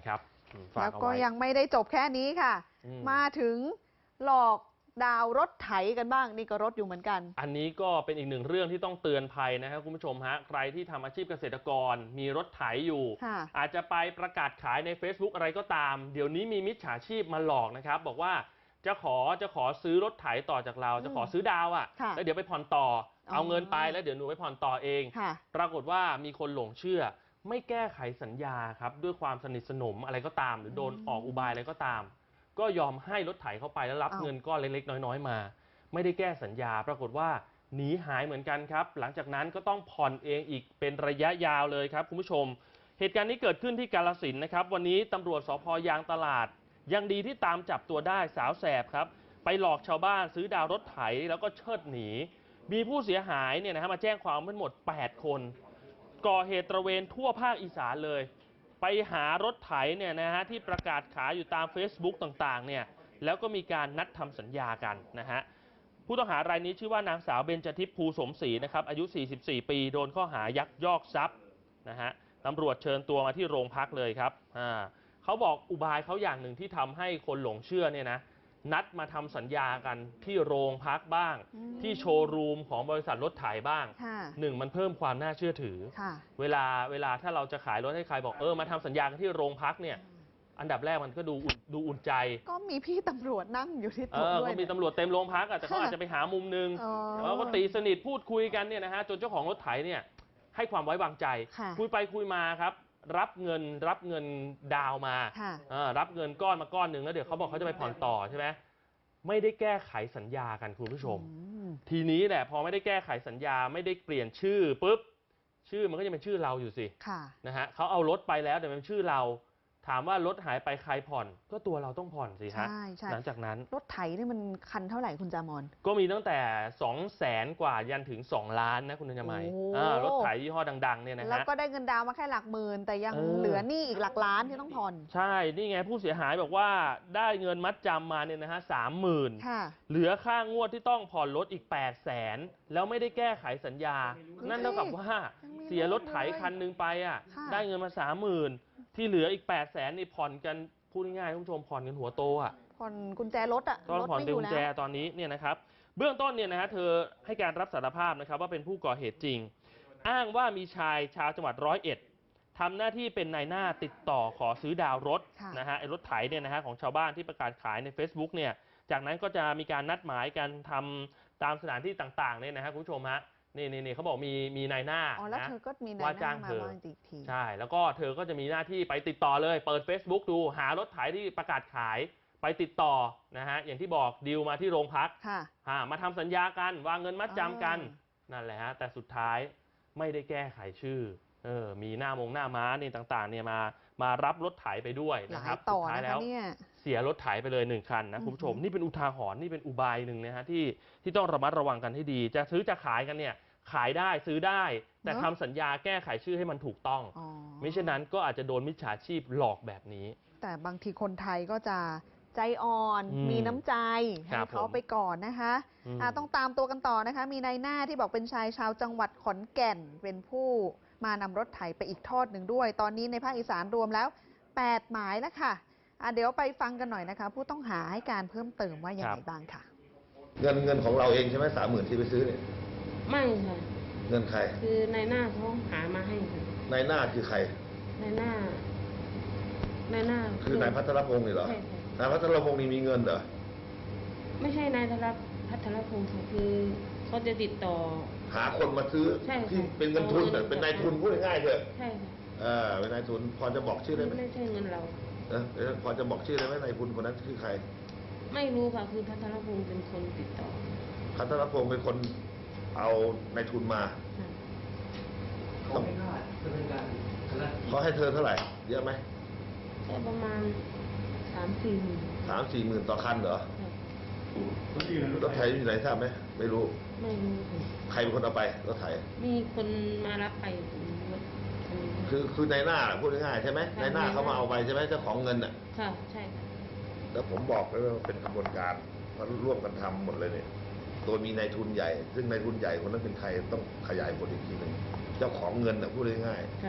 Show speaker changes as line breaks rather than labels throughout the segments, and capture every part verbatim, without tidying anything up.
ครับ
แล้วก็ยังไม่ได้จบแค่นี้ค่ะมาถึงหลอกดาวรถไถกันบ้างนี่ก็รถอยู่เหมือนกัน
อันนี้ก็เป็นอีกหนึ่งเรื่องที่ต้องเตือนภัยนะครับคุณผู้ชมฮะใครที่ทำอาชีพเกษตรกรมีรถไถอยู่อาจจะไปประกาศขายใน Facebook อะไรก็ตามเดี๋ยวนี้มีมิจฉาชีพมาหลอกนะครับบอกว่าจะขอจะขอซื้อรถไถต่อจากเราจะขอซื้อดาวอ่ะแล้วเดี๋ยวไปผ่อนต่อเอาเงินไปแล้วเดี๋ยวหนูไปผ่อนต่อเองปรากฏว่ามีคนหลงเชื่อไม่แก้ไขสัญญาครับด้วยความสนิทสนมอะไรก็ตามหรือโดนออกอุบายอะไรก็ตามก็ยอมให้รถไถเข้าไปแล้วรับเงินก้อนเล็กๆน้อยๆมาไม่ได้แก้สัญญาปรากฏว่าหนีหายเหมือนกันครับหลังจากนั้นก็ต้องผ่อนเองอีกเป็นระยะยาวเลยครับคุณผู้ชมเหตุการณ์นี้เกิดขึ้นที่กาฬสินธุ์นะครับวันนี้ตำรวจสภ.ยางตลาดยังดีที่ตามจับตัวได้สาวแสบครับไปหลอกชาวบ้านซื้อดาวรถไถแล้วก็เชิดหนีมีผู้เสียหายเนี่ยนะฮะมาแจ้งความทั้งหมดแปดคนก่อเหตุตระเวนทั่วภาคอีสานเลยไปหารถไถเนี่ยนะฮะที่ประกาศขายอยู่ตาม Facebook ต่างๆเนี่ยแล้วก็มีการนัดทำสัญญากันนะฮะผู้ต้องหารายนี้ชื่อว่านางสาวเบญจทิพย์ภูสมศรีนะครับอายุสี่สิบสี่ปีโดนข้อหายักยอกทรัพย์นะฮะตำรวจเชิญตัวมาที่โรงพักเลยครับอ่าเขาบอกอุบายเขาอย่างหนึ่งที่ทำให้คนหลงเชื่อเนี่ยนะนัดมาทำสัญญากันที่โรงพักบ้างที่โชว์รูมของบริษัทรถไถบ้างหนึ่งมันเพิ่มความน่าเชื่อถือเวลาเวลาถ้าเราจะขายรถให้ใครบอกเออมาทำสัญญากันที่โรงพักเนี่ยอันดับแรกมันก็ดูดูอุ่นใจก็มีพี่ตำรวจนั่งอยู่ที่โต๊ะด้วยก็มีตำรวจเต็มโรงพักแต่เขาอาจจะไปหามุมนึงแล้วก็ตีสนิทพูดคุยกันเนี่ยนะฮะจนเจ้าของรถไถเนี่ยให้ความไว้วางใจคุยไปคุยมาครับรับเงินรับเงินดาวมารับเงินก้อนมาก้อนหนึ่งแล้วเดี๋ยวเขาบอกเขาจะไปผ่อนต่อใช่ไหมไม่ได้แก้ไขสัญญากันคุณผู้ชมทีนี้แหละพอไม่ได้แก้ไขสัญญาไม่ได้เปลี่ยนชื่อปุ๊บชื่อมันก็จะเป็นชื่อเราอยู่สินะฮะเขาเอารถไปแล้วแต่เป็นชื่อเราถามว่ารถหายไปใครผ่อนก็ตัวเราต้องผ่อนสิฮะหลังจากนั้นรถไถนี่มันคันเท่าไหร่คุณจามอนก็มีตั้งแต่สองแสนกว่ายันถึงสองล้านนะคุณธัญมัยรถไถยี่ห้อดังๆเนี่ยนะฮะแล้วก็ได้เงินดาวมาแค่หลักหมื่นแต่ยังเหลือหนี้อีกหลักล้านที่ต้องผ่อนใช่นี่ไงผู้เสียหายบอกว่าได้เงินมัดจำมาเนี่ยนะฮะสามหมื่นเหลือค่างวดที่ต้องผ่อนรถอีกแปดแสนแล้วไม่ได้แก้ไขสัญญานั่นเท่ากับว่าเสียรถไถคันนึงไปอ่ะได้เงินมาสามหมื่นที่เหลืออีกแปดแสนนี่ผ่อนกันพูดง่ายๆคุณผู้ชมผ่อนกันหัวโตอ่ะผ่อนกุญแจรถอ่ะตอนผ่อนกุญแจตอนนี้เนี่ยนะครับเบื้องต้นเนี่ยนะฮะเธอให้การรับสารภาพนะครับว่าเป็นผู้ก่อเหตุจริงอ้างว่ามีชายชาวจังหวัดร้อยเอ็ดทำหน้าที่เป็นนายหน้าติดต่อขอซื้อดาวรถนะฮะไอ้รถไถเนี่ยนะฮะของชาวบ้านที่ประกาศขายใน Facebook เนี่ยจากนั้นก็จะมีการนัดหมายกันทำตามสถานที่ต่างๆเนี่ยนะฮะคุณผู้ชมฮะนี่นี่เขาบอกมีมีนายหน้านะว่าจ้างเธอใช่แล้วก็เธอก็จะมีหน้าที่ไปติดต่อเลยเปิด Facebook ดูหารถไถที่ประกาศขายไปติดต่อนะฮะอย่างที่บอกดีลมาที่โรงพักมาทำสัญญากันวางเงินมัดจำกันนั่นแหละฮะแต่สุดท้ายไม่ได้แก้ไขชื่อเออมีหน้ามงหน้าม้านี่ต่างๆเนี่ยมามารับรถไถไปด้วยนะครับสุดท้ายแล้วเสียรถไถไปเลยหนึ่งคันนะคุณผู้ชมนี่เป็นอุทาหรณ์นี่เป็นอุบายหนึ่งนะฮะที่ที่ต้องระมัดระวังกันให้ดีจะซื้อจะขายกันเนี่ยขายได้ซื้อได้แต่ทำสัญญาแก้ไขชื่อให้มันถูกต้องมิฉะนั้นก็อาจจะโดนมิจฉาชีพหลอกแบบนี้แต่บางทีคนไทยก็จะใจอ่อนมีน้ำใจให้เขาไปก่อนนะคะต้องตามตัวกันต่อนะคะมีนายหน้าที่บอกเป็นชายชาวจังหวัดขอนแก่นเป็นผู้มานำรถไถไปอีกทอดหนึ่งด้วยตอนนี้ในภาคอีสานรวมแล้วแปดหมายแล้วค่ะเดี๋ยวไปฟังกันหน่อยนะคะผู้ต้องหาให้การเพิ่มเติมว่าอย่างไรบ้างค่ะ
เงินเงินของเราเองใช่ไหมสามหมื่นที่ไปซื้อเนี่ย
ไม่ค่ะ
เงินใคร
คือนายหน้าเขาหามาให้ค่ะ
นายหน้าคือใคร
นายหน้านายหน้า
คือนายพัทรพงศ์นี่เหรอใช่นายพัทรพงศ์นี่มีเงินเหรอ
ไม่ใช่นายพัทรพงศ์ค่ะคือเขาจะติดต่อ
หาคนมาซื้อที่เป็นเงินทุนแต่เป็นนายทุนพูดง่ายๆเถอะ
ใช่ค่ะ
เออเป็นนายทุนพอจะบอกชื่อได้ไหม
ไม่ใช่เงินเรา
เออพอจะบอกชื่อได้ไหมนายทุนคนนั้นคือใคร
ไม่รู้ค่ะคือพัทรพงศ์เป็นคนติดต่อ
พัทรพงศ์เป็นคนเอานายทุนมาต้องเขาให้เธอเท่าไหร่เยอะไหม
แค่ประมาณสามสี่หมื่น
สามสี่หมื่นต่อคันเหรอรถไถอยู่ไหนทราบไหมไม่รู้
ไม่รู้
ใครเป็นคนเอาไปรถไถ
มีคนมารับไป
คือคือนายหน้าพูดง่ายๆใช่ไหมนายหน้าเขามาเอาไปใช่ไหมเจ้าของเงินอ่ะ
ค่ะใช่ค่ะ
แล้วผมบอกแล้วว่าเป็นกระบวนการมันร่วมกันทำหมดเลยเนี่ยโดยมีนายทุนใหญ่ซึ่งนายทุนใหญ่คนนั้นเป็นใครต้องขยายผลอีกทีหนึ่งเจ้าของเงินอ่ะพูดง่าย
ๆ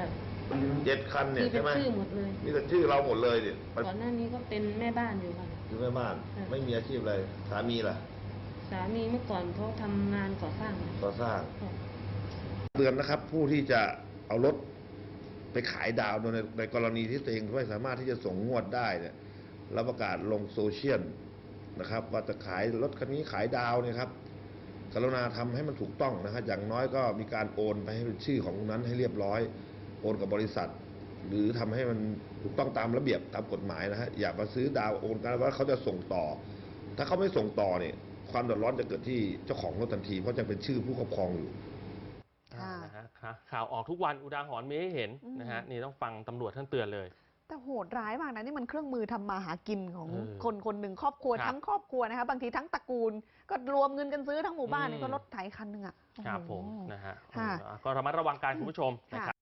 เจ็ดคันเนี่ย
มีเป็
ใช่
น
ไหม
ชื่อหมดเลย
นี่ก็ชื่อเราหมดเลยเนี่ย
ก่อนหน้านี้ก็เป็นแม่บ้านอยู่ค่ะ
คือแม่บ้าน
ค่ะ
ไม่มีอาชีพอะไรสามีล่ะ
สามีเมื่อก่อนเขาทำงานก่อสร้างค่ะ
ก่อสร้าง
ค่ะ
เตือนนะครับ ผู้ที่จะเอารถไปขายดาวโดยในในกรณีที่ตัวเองไม่สามารถที่จะส่งงวดได้เนี่ยแล้วประกาศลงโซเชียลนะครับว่าจะขายรถคันนี้ขายดาวเนี่ยครับกรุณาทำให้มันถูกต้องนะครับอย่างน้อยก็มีการโอนไปให้เป็นชื่อของนั้นให้เรียบร้อยโอนกับบริษัท หรือทำให้มันถูกต้องตามระเบียบตามกฎหมายนะฮะอย่ามาซื้อดาวโอนกันว่าเขาจะส่งต่อ ถ้าเขาไม่ส่งต่อเนี่ยความเดือดร้อนจะเกิดที่เจ้าของรถทันทีเพราะจะเป็นชื่อผู้ครอบครองอยู่
ค่ะ
นะฮะข่าวออกทุกวันอุทาหรณ์มีให้เห็น
อืม
นะฮะนี่ต้องฟังตำรวจท่านเตือนเลย
แต่โหดร้ายมากนะนี่มันเครื่องมือทำมาหากินของ
เออ
คนคนหนึ่งครอบครัว
ครับ
ทั้งครอบครัวนะคะบางทีทั้งตระกูล ก็รวมเงินกันซื้อทั้งหมู่บ้าน
อืม
เนี่ยก็รถไถคันหนึ่งอ่ะ
ครับผม
โอ้โห
นะฮะ
ค่ะ
เออก็ระมัดระวังการคุณผู้ชมนะครับ